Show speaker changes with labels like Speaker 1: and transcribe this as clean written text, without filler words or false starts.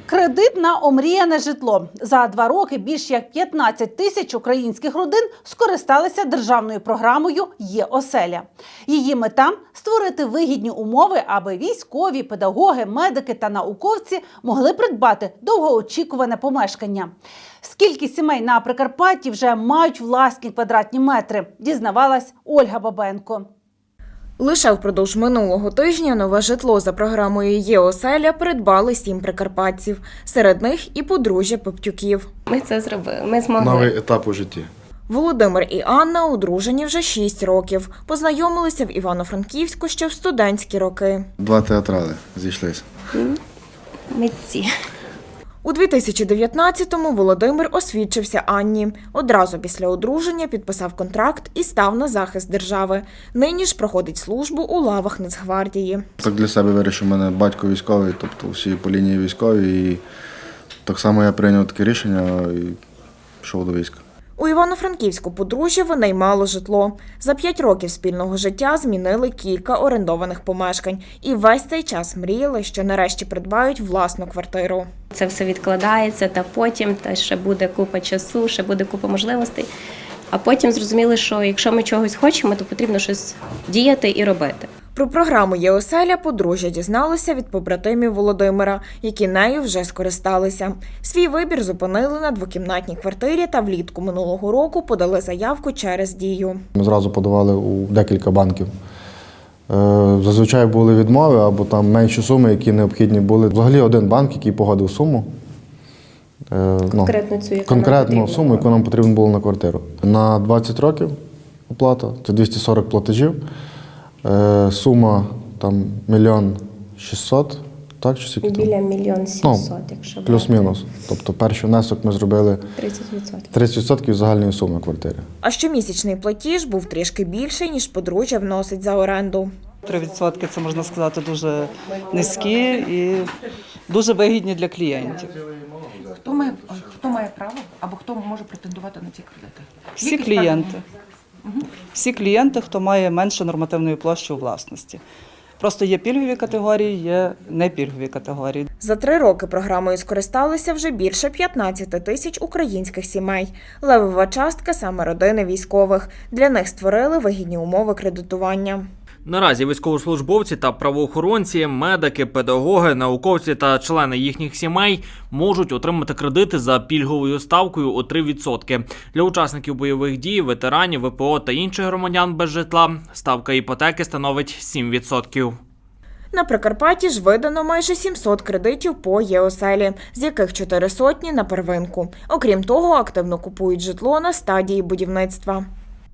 Speaker 1: Кредит на омріяне житло. За 2 роки більш як 15 тисяч українських родин скористалися державною програмою «Є-оселя». Її мета – створити вигідні умови, аби військові, педагоги, медики та науковці могли придбати довгоочікуване помешкання. Скільки сімей на Прикарпатті вже мають власні квадратні метри, дізнавалась Ольга Бабенко.
Speaker 2: Лише впродовж минулого тижня нове житло за програмою «Є-оселя» придбали 7 прикарпатців. Серед них і подружжя Поптюків.
Speaker 3: Ми це зробили, ми змогли.
Speaker 4: Новий етап у житті.
Speaker 2: Володимир і Анна одружені вже 6 років. Познайомилися в Івано-Франківську ще в студентські роки.
Speaker 4: 2 театрали зійшлися.
Speaker 3: Митці.
Speaker 2: У 2019-му Володимир освідчився Анні. Одразу після одруження підписав контракт і став на захист держави. Нині ж проходить службу у лавах Нацгвардії.
Speaker 4: Так для себе вирішив, у мене батько військовий, тобто всі по лінії військові. І так само я прийняв таке рішення і пішов до війська.
Speaker 2: У Івано-Франківську подружжя винаймало житло. За 5 років спільного життя змінили кілька орендованих помешкань. І весь цей час мріяли, що нарешті придбають власну квартиру.
Speaker 3: Це все відкладається, та потім ще буде купа часу, ще буде купа можливостей. А потім зрозуміли, що якщо ми чогось хочемо, то потрібно щось діяти і робити.
Speaker 2: Про програму «Є-оселя» подружжя дізналося від побратимів Володимира, які нею вже скористалися. Свій вибір зупинили на 2-кімнатній квартирі та влітку минулого року подали заявку через Дію.
Speaker 4: Ми зразу подавали у декілька банків. Зазвичай були відмови або там менші суми, які необхідні були. Взагалі один банк, який погодив суму. Конкретну суму, яку нам потрібно було на квартиру. На 20 років оплата, це 240 платежів. Сума там 1 600 000, так? Чи скільки там?
Speaker 3: Біля 1 700 000, якщо брати.
Speaker 4: Плюс-мінус. Тобто перший внесок ми зробили
Speaker 3: 30%.
Speaker 4: 30% загальної суми квартири.
Speaker 2: А щомісячний платіж був трішки більший, ніж подружжя вносить за оренду.
Speaker 5: 3% – це, можна сказати, дуже низькі і дуже вигідні для клієнтів.
Speaker 6: Хто має право або хто може претендувати на ці кредити?
Speaker 5: Всі клієнти. Всі клієнти, хто має менше нормативної площі у власності. Просто є пільгові категорії, є непільгові категорії.
Speaker 2: За 3 роки програмою скористалися вже більше 15 тисяч українських сімей. Левова частка – саме родини військових. Для них створили вигідні умови кредитування.
Speaker 7: Наразі військовослужбовці та правоохоронці, медики, педагоги, науковці та члени їхніх сімей можуть отримати кредити за пільговою ставкою у 3%. Для учасників бойових дій, ветеранів, ВПО та інших громадян без житла ставка іпотеки становить 7%.
Speaker 2: На Прикарпатті ж видано майже 700 кредитів по «Є-оселі», з яких 400 на первинку. Окрім того, активно купують житло на стадії будівництва.